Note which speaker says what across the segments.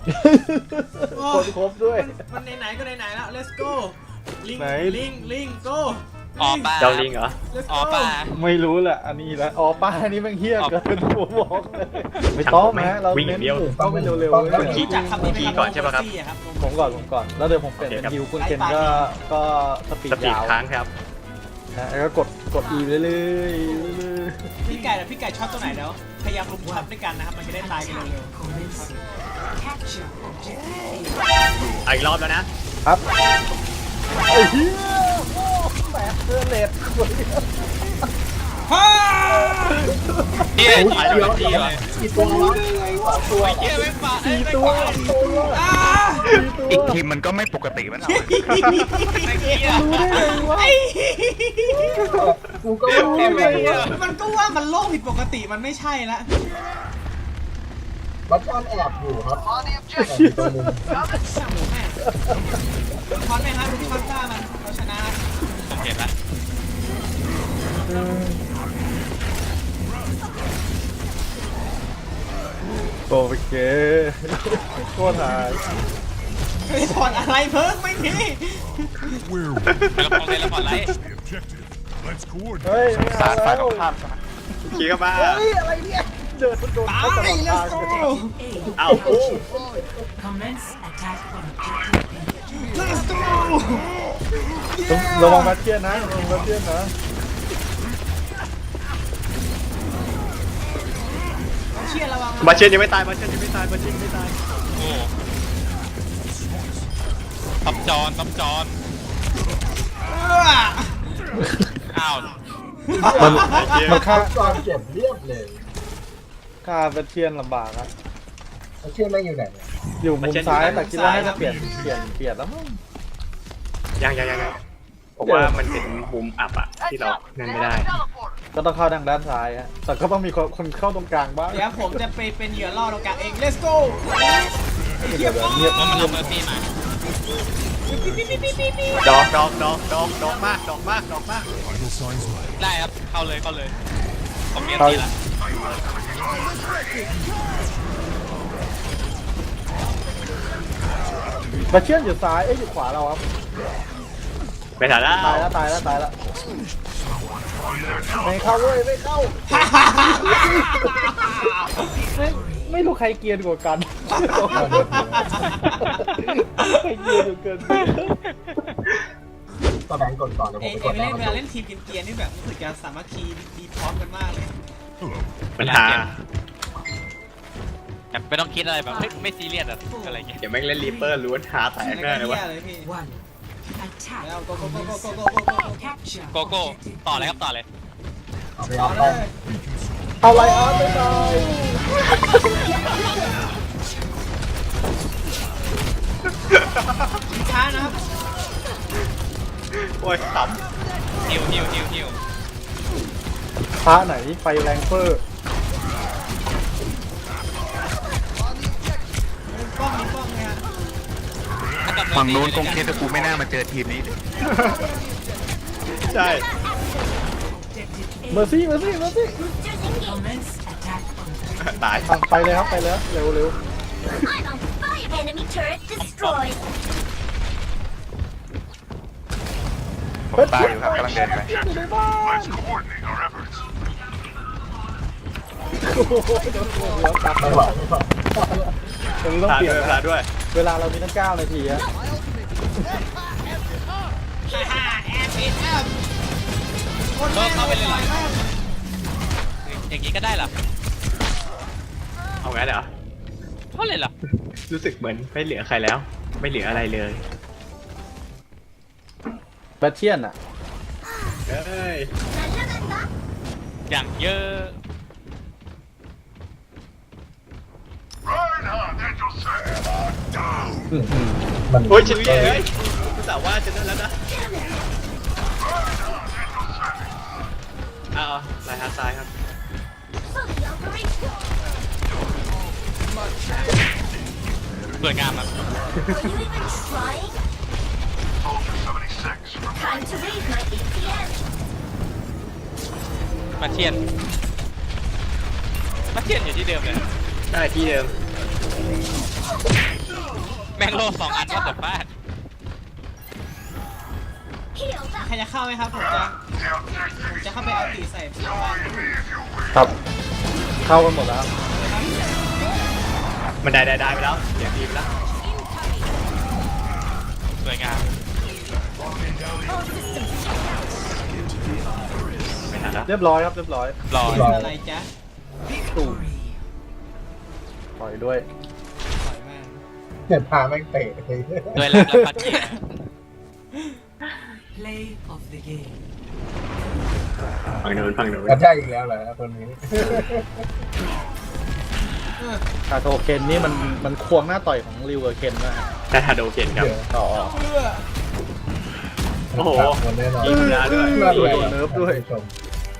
Speaker 1: คนครบด้วย
Speaker 2: มันไหนๆก็ไหนๆแล้ว let's go ลิง
Speaker 1: ไหน
Speaker 2: ลิง go
Speaker 3: อ๋อป่า
Speaker 4: เจ้าลิงเหรอ
Speaker 2: let's
Speaker 3: อ๋อ
Speaker 2: go
Speaker 3: ป่า
Speaker 1: ไม่รู้แหละอันนี้แล้วอ๋อป้าอันนี้แม่งเฮี้ยเกินผมบอกเลยไม่ต้องนะเรา
Speaker 4: วิ่งอย่างเดียว
Speaker 1: ต้องไปเร็วๆ
Speaker 4: คุณคิด
Speaker 2: รู้จักคำนี้ไหม
Speaker 4: ขี่
Speaker 2: ครับ
Speaker 4: ก่อนใช่ปะครับ
Speaker 2: Moxie อะครับ
Speaker 1: ผมก่อนแล้วเดี๋ยวผมเปลี่ยนเป็นฮิวคุณเคนก็สปีด
Speaker 4: สปีด
Speaker 1: ยาว
Speaker 4: ค้างครับ
Speaker 1: นะแล้วก็กด E เรื่อยๆเรื่อย
Speaker 2: พี่ไก่แต่พี่ไก่ชอบตัวไหนแล้วพยายามรุมทับด้วยกันนะครับมันจะได้ตายกันเร็ว
Speaker 4: อีกรอบแล้วนะ
Speaker 1: ๆครับไอ้เหี้ยโอ้แหมเสื้อเลด
Speaker 2: ๆฮ่า
Speaker 3: เฮียไปแล้วทีเลย
Speaker 1: กี่ตัววะตัว
Speaker 3: เฮียไม่ป่า
Speaker 1: สี่ตัว
Speaker 2: อ่า
Speaker 5: อีกทีมมันก็ไม่ปกติมันเอา
Speaker 3: ไอ้เฮีย
Speaker 1: รู้ได้ไงวะ
Speaker 2: ไอ้
Speaker 1: กูก็ไม่รู้ไงวะ
Speaker 2: มันก็ว่ามันโลกผิดปกติมันไม่ใช่ละ
Speaker 6: บัตรแอบอยู่ครับตัวนึง
Speaker 2: ช่างหมูแม่คอนไหมครับดูที่คอนต้ามันเราชนะ
Speaker 3: ผมเห็นละ
Speaker 1: โอเคโคตรหาย
Speaker 2: ไม่ได้ถอนอะไรเพิ่งไม่มี
Speaker 3: แล้วพอเลยแล้วพอไล่
Speaker 1: เฮ้ยไม่
Speaker 5: สา
Speaker 1: เอา
Speaker 5: รฝ่าย
Speaker 1: แล้
Speaker 5: ตร
Speaker 1: ว
Speaker 5: งข้าม
Speaker 4: ขี่เข้ามา
Speaker 1: เฮ้ยอะไรเนี่ยเดินโดน
Speaker 2: ตา
Speaker 1: เขาตล
Speaker 2: ย
Speaker 1: อด
Speaker 2: แล้ว
Speaker 1: ทาง
Speaker 2: โก้
Speaker 4: เอาโอ้
Speaker 7: Commence attack on objective.
Speaker 2: let's go
Speaker 1: ระวังแบทเทียนนะระวังแบทเทียนนะ
Speaker 2: เชียร์ระวัง
Speaker 4: มาเชียนยังไม่ตายมาเชียนยังไม่ตายมาเชียนยังไม่ตาย
Speaker 3: โอ้ตำจอนตำจอนอ้าว
Speaker 1: มันฆ่า
Speaker 6: ตอนเก็บเรียบเลย
Speaker 1: ฆ่าแบทเทียนลำบากอะ
Speaker 6: แล้วชื่อไม่อยู่ไหนเนี่ย
Speaker 1: อยู่มุมซ้ายแต่คิดว่าให้จะเปลี่ยนแล้วมั้ง
Speaker 4: ยังผมว่ามันเป็นมุมอับอะที่เรานั่นไม่ได้
Speaker 1: ก็ต้องเข้าทางด้านซ้ายฮะแต่ก็ต้องมีคนเข้าตรงกลางบ้าง
Speaker 2: เดี๋ยวผมจะไปเป็นเหยื่อล่อตรงกลางเอง let's go
Speaker 1: เดี๋ยวเงียบ
Speaker 3: มันเอาเมอร์ซี่มา
Speaker 4: ดอกมาก
Speaker 3: ได้ครับเข้าเลยผมเมียนตีละ
Speaker 1: แบทเทียนอยู่ซ้ายเอ้ยอยู่ขวาเราครับ
Speaker 4: ไปถ่ายแล้ว
Speaker 1: ตายแล้วไม่เข้าเว้ยไม่เข้าไม่รู้ใครเกรียนกว่ากันใครเกรียนอยู่เกิน
Speaker 6: ก็แบงก์ก่อนเดี๋ยวผ
Speaker 2: เอ
Speaker 6: ม
Speaker 2: เอ
Speaker 6: ไปกด
Speaker 2: เวลาเล่นทีมเกียร์นี่แบบรู้สึกจะสามัคคีดีพร้อมกันมากเลย
Speaker 4: มันหา
Speaker 3: แบบไม่ต้องคิดอะไรแบบไม่ซีเรียสอะไรเงี้ย
Speaker 4: เดี๋ยวแม่งเล่นรีเปอร์ล้วนหาแตก
Speaker 2: แล้ว
Speaker 4: แน่
Speaker 2: ก็
Speaker 4: เลยวะ
Speaker 2: เหี้ยเลยพี่
Speaker 7: One. Attack.
Speaker 2: แล้ว go
Speaker 7: Capture.
Speaker 3: โกโก้
Speaker 7: objective.
Speaker 3: ต่อเลยครับต่อเลย
Speaker 6: เอาไป
Speaker 2: ต่อ
Speaker 6: เอา
Speaker 2: เล
Speaker 6: ไป
Speaker 2: ย
Speaker 1: เอาไลออนไปหน่อย
Speaker 2: ช้านะครับ
Speaker 4: โอ้ยข
Speaker 3: ฮิว
Speaker 1: พระไหนไฟแรงเฟอร์
Speaker 2: มีกล้องเลยฮะ
Speaker 5: ฝั่งนู้นคงคิดว่ากูไม่น่ามาเจอทีมนี้เลย
Speaker 4: ำใช่
Speaker 1: เมอร์ซี่
Speaker 7: Commence attack on
Speaker 4: ตาย
Speaker 1: ไปเลยครับไปเลยเร็ว
Speaker 8: I'm on fire! Enemy turret destroyed!
Speaker 5: ผมตายอยู่ครับกำลังเดินไป
Speaker 1: โอ้โหโดนหัวตัด
Speaker 6: ไม่ไหวไม่ไหว
Speaker 1: ตรงนี้ต้อง
Speaker 4: ตา
Speaker 1: เปลี่ยน
Speaker 4: ด้วย
Speaker 1: เวลาเรามีตั้ง9 นาทีฮะ
Speaker 2: แอบปิดแอบคน
Speaker 3: เข้าไปเลยเหรออย่างนี้ก็ได้เหรอ
Speaker 4: เอางั้นเหรอ
Speaker 3: เท่าเลยเหรอ
Speaker 4: รู้สึกเหมือนไม่เหลือใครแล้ว ไม่เหลืออะไรเลย
Speaker 1: แบทเทียนอ่ะ
Speaker 4: เอ้ย
Speaker 3: อย่างเยอะ
Speaker 6: มัน
Speaker 4: โอ้ยชินเย่เอ้ยรู้สึกว่าจะนั่นแล้วนะเอาลายฮาร์ดซ้ายครับ
Speaker 8: Fully operational!
Speaker 3: สวยงามครับ
Speaker 8: Are you even trying? Time to raise my ATM!
Speaker 3: มาเทียนอยู่ที่เดิมเลย
Speaker 4: ได้ที่เดิม
Speaker 3: แม่งโล2 อันว่าแต่ฟาด
Speaker 8: Heal
Speaker 2: ใครจะเข้าไหมครับผมจะเข้าไปเอาตีใส่พี่บ้าน
Speaker 1: ครับ เข้ากันหมดแล้ว
Speaker 4: มันได้ไปแล้วเสียงดีไปแล้ว
Speaker 3: สวยงาม
Speaker 4: ไม่ทันแล้ว
Speaker 1: เรียบร้อยครับเรียบร้อย
Speaker 3: รอ
Speaker 2: คืออะไรจ๊ะ
Speaker 7: Victory.
Speaker 1: ปล่อยด้วย
Speaker 2: ปล่อยแม่ง
Speaker 6: เห็นพาแม่งเตะเลย
Speaker 3: ด้วยรักและพัดเกียร์
Speaker 7: Play of the game.
Speaker 4: ฝั่งโน้น
Speaker 6: กระจายอีกแล้วเหรอคนนี้
Speaker 1: คาโทเคนนี่มันควงหน้าต่อยของริวกับเคนนะฮะ
Speaker 4: ได้ทาโดเคนครับ
Speaker 1: ต่อ
Speaker 2: เพื่อ
Speaker 4: โอ้โห
Speaker 6: คนแน่นอน
Speaker 4: ยิงธรรมดาด้วย
Speaker 6: เลือดไหลเนิร์ฟด้วย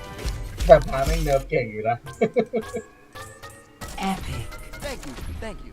Speaker 6: แต่พาแม่งเนิร์ฟเก่งอยู่นะ
Speaker 7: Epic.